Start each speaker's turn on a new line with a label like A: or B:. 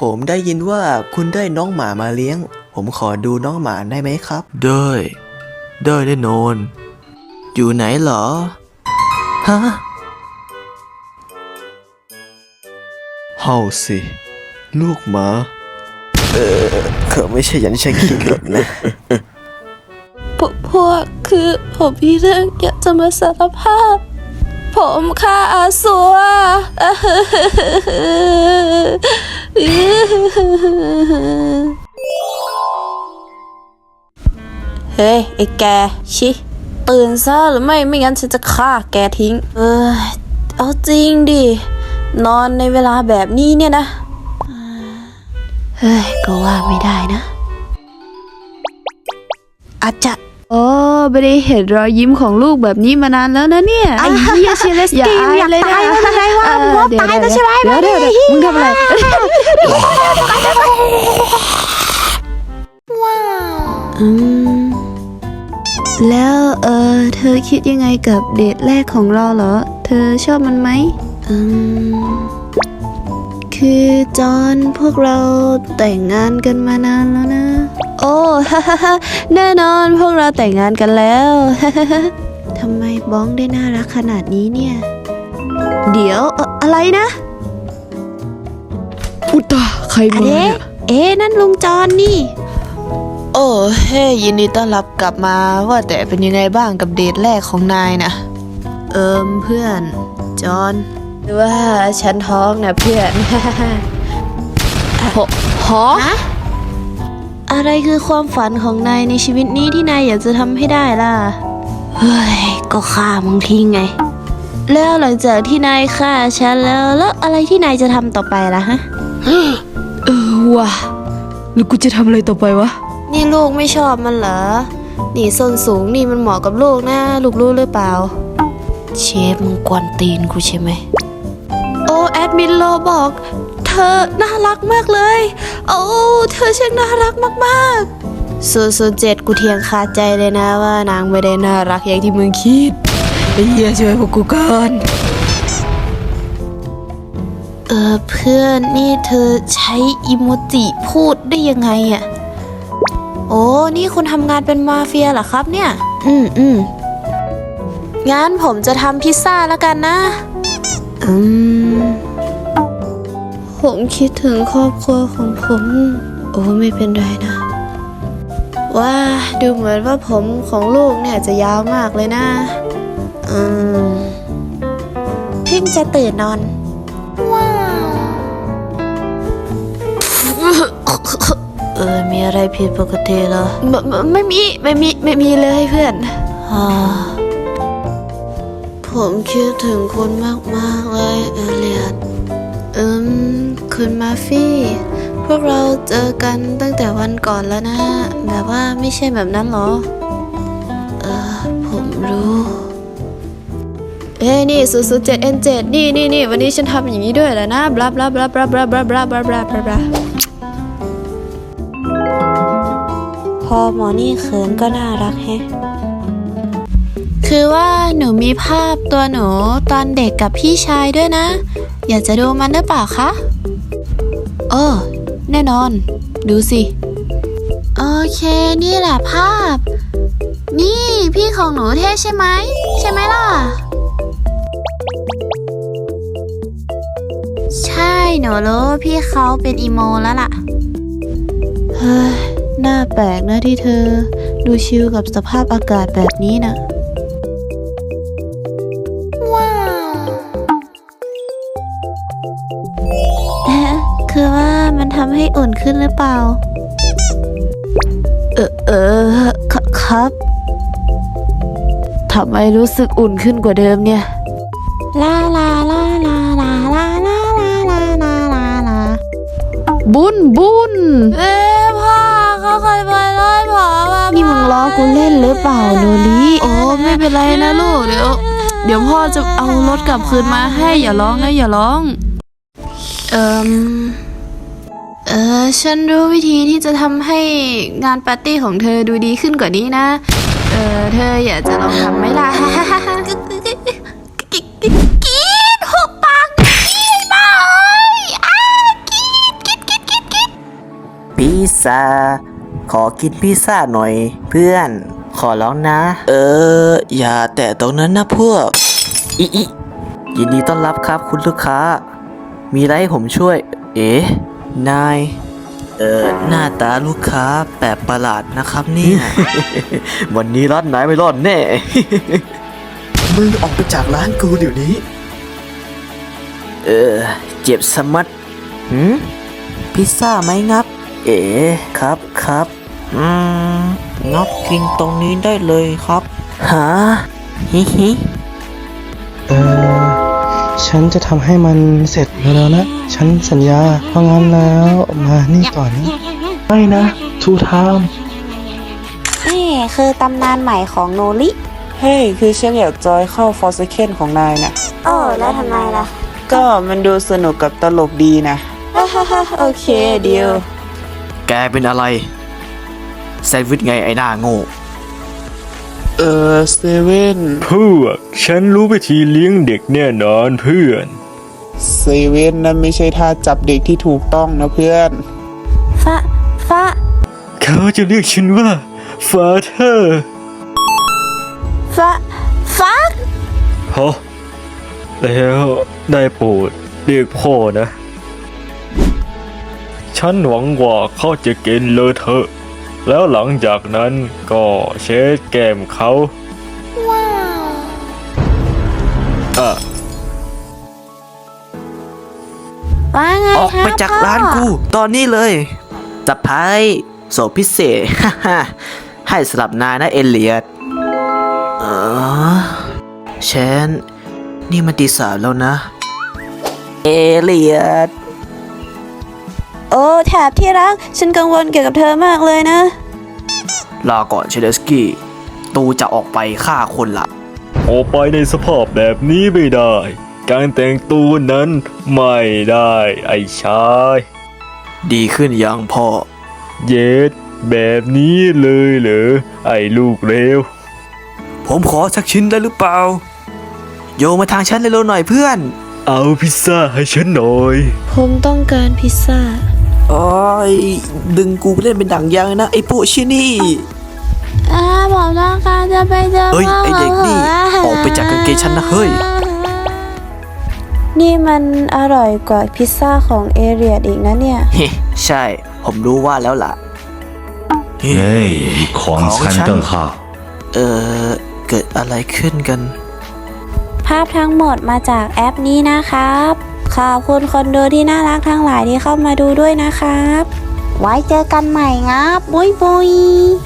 A: ผมได้ยินว่าคุณได้น้องหมามาเลี้ยงผมขอดูน้องหมาได้ไหมครับได้แน่นอนอยู่ไหนเหรอฮะเฮาสิลูกหมาเขาไม่ใช่อย่างที่ฉันคิดหรอกนะ
B: พวกคือผมมีเรื่องอยากจะมาสารภาพผมฆ่าอาสัวเฮ้ยไอ้แกชิตื่นซะหรือไม่งั้นฉันจะฆ่าแกทิ้งเอาจริงดินอนในเวลาแบบนี้เนี่ยนะเฮ้ยก็ว่าไม่ได้นะอาจจะ
C: ไม่ได้เห็นรอยยิ้มของลูกแบบนี้มานานแล้วนะเนี่ยไอ้เหี้ยเชลสกี้อยากตายแล้วไงวะมึงว่าตายแล้วใช่ไหมเดี๋ยวมึงทำอะไรแล้วเธอคิดยังไงกับเดทแรกของเราเหรอเธอชอบมันไหมคือจอนพวกเราแต่งงานกันมานานแล้วนะโอ้แน่นอนพวกเราแต่งงานกันแล้วทำไมบ้องได้น่ารักขนาดนี้เนี่ยเดี๋ยวอะไรนะอุตาใครมาเนี่ยนั่นลุงจอนนี่
B: โอ้เฮ้ยินดีต้อนรับกลับมาว่าแต่เป็นยังไงบ้างกับเดทแรกของนายนะ
C: เพื่อนจอนหรือว่าฉันท้องนะเพื่อน
B: ฮะ
C: อะไรคือความฝันของนายในชีวิตนี้ที่นายอยากจะทำให้ได้ล่ะเฮ้ยก็ฆ่ามึงทิ้งไงแล้วหลังจากที่นายฆ่าฉันแล้วอะไรที่นายจะทำต่อไปล่ะฮะว่ะแล้วกูจะทำอะไรต่อไปวะนี่ลูกไม่ชอบมันเหรอนี่ส้นสูงนี่มันเหมาะกับลูกนะลูกรู้หรือเปล่าเชฟมึงกวนตีนกูใช่ไหมโอ้แอดมินโลบอกเธอน่ารักมากเลยโอ้เธอช่างน่ารักมากๆ007กูเทียงคาใจเลยนะว่านางไม่ได้น่ารักอย่างที่มึงคิดไอ้เหี้ยช่วยพวกกูก่อนเพื่อนนี่เธอใช้อิโมจิพูดได้ยังไงอ่ะโอ้นี่คุณทำงานเป็นมาเฟียเหรอครับเนี่ยงั้นผมจะทำพิซซ่าแล้วกันนะผมคิดถึงครอบครัวของผมโอ้ไม่เป็นไรนะว่าดูเหมือนว่าผมของลูกเนี่ยจะยาวมากเลยนะเพิ่งจะตื่นนอนว้าวมีอะไรผิดปกติเหรอไม่มีเลยเพื่อนผมคิดถึงคุณมากเลยเอเลียดคุณมาฟี่พวกเราเจอกันตั้งแต่วันก่อนแล้วนะแบบว่าไม่ใช่แบบนั้นหรอผมรู้นี่007N7นี่วันนี้ฉันทำอย่างนี้ด้วยแหละนะบลาบลาบลาบลาบลาบลาบลาบลาบลาบลาพอหมอนี่เขินก็น่ารักแฮะคือว่าหนูมีภาพตัวหนูตอนเด็กกับพี่ชายด้วยนะอยากจะดูมันหรือเปล่าคะแน่นอนดูสิโอเคนี่แหละภาพนี่พี่ของหนูเท่ใช่ไหมล่ะใช่หนูรู้พี่เขาเป็นอีโมแล้วล่ะเฮ้ยน่าแปลกนะที่เธอดูชิลกับสภาพอากาศแบบนี้นะคือว่ามันทำให้อุ่นขึ้นหรือเปล่าครับทำไมรู้สึกอุ่นขึ้นกว่าเดิมเนี่ยลาลาลาลาลาลาลาลาลาลาลาลาบุญพ่อเขาเคยไปไล่พ่อมานี่มึงล้อกูเล่นหรือเปล่าโนลิไม่เป็นไรนะลูกเดี๋ยวพ่อจะเอารถกลับคืนมาให้อย่าร้องนะอย่าร้องฉันรู้วิธีที่จะทำให้งานปาร์ตี้ของเธอดูดีขึ้นกว่านี้นะเธออยากจะลองทำไหมล่ะกินหุบปากกินบ้ากิน
A: ซ่า ขอกินพิซซ่าหน่อยเพื่อน ขอร้องนะ อย่าแตะตรงนั้นนะพวก อิยินดีต้อนรับครับคุณลูกค้า มีอะไรให้ผมช่วย นาย หน้าตาลูกค้าแปลกประหลาดนะครับเนี่ย วันนี้ร้านนายไม่รอดแน่ มึงออกไปจากร้านกูเดี๋ยวนี้ เจ็บสมัดพิซซ่าไหมงับ ครับงับกินตรงนี้ได้เลยครับ หา ฮิฮิ
D: ฉันจะทำให้มันเสร็จเร็วๆนะ ฉันสัญญา เพราะงั้นแล้วมานี่ก่อนนะไม่นะ ทูไทม์
B: นี่คือตำนานใหม่ของโนริ
E: เฮ้ย คือฉันอยากจอยเข้าฟอร์สเคนของนายนะ
B: โอ้แล้วทำไมล่ะ
E: ก็มันดูสนุกกับตลกดีนะ
B: โอเคเดียว
A: แกเป็นอะไร แซนด์วิชไงไอ้หน้าโง่
E: เซเว่น
F: พวกฉันรู้วิธีเลี้ยงเด็กแน่นอนเพื่อน
E: เซเว่นนั่นไม่ใช่ท่าจับเด็กที่ถูกต้องนะเพื่อน
B: ฟ้า
F: เขาจะเรียกฉันว่าฟาเธอร์
B: ฟ้า
F: ฮะแล้วได้โปรดเรียกพ่อนะ ฉันหวังว่าเขาจะกินเลอะเทอะแล้วหลังจากนั้นก็เช็ดแก้มเขาอ่ะ
B: ว่าไง
A: ออก
B: ครับ
A: ไปจากร้านกู ตอนนี้เลยจับไพ่โสพิเศษ ให้สำหรับนายนะเอเลียดแชนนี่มันตี 3แล้วนะ เอเลียด
B: โอ้แถบที่รัก ฉันกังวลเกี่ยวกับเธอมากเลยนะ
A: ลาก่อนเชเดสกี้ ตูจะออกไปฆ่าคนละ
F: ออกไปในสภาพแบบนี้ไม่ได้ การแต่งตัวนั้นไม่ได้ไอ้ชาย
A: ดีขึ้นยังพ่อ
F: เย็ดแบบนี้เลยเหรอไอ้ลูกเร็ว
A: ผมขอสักชิ้นได้หรือเปล่า โยนมาทางฉันเร็วๆหน่อยเพื่อน
F: เอาพิซซ่าให้ฉันหน่อย
C: ผมต้องการพิซซ่า
A: โอ้ยดึงกูไปเล่นเป็นดั่งยางเลยนะไอ้พวกชินี่
C: ผมต้องการจะไปเจอ
A: เฮ้ยไอ้เด็กนี่ออกไปจากกางเกงฉันนะเฮ้ย
B: นี่มันอร่อยกว่าพิซซ่าของเอเรียดอีกนะเนี่ย
A: เฮ้ใช่ ผมรู้ว่าแล้วล่ะ
G: 哎，狂餐邓浩，
A: เกิดอะไรขึ้นกัน
B: ภาพทั้งหมดมาจากแอปนี้นะครับ ขอบคุณคนดูที่น่ารักทั้งหลายที่เข้ามาดูด้วยนะครับ ไว้เจอกันใหม่ครับ บุยบุย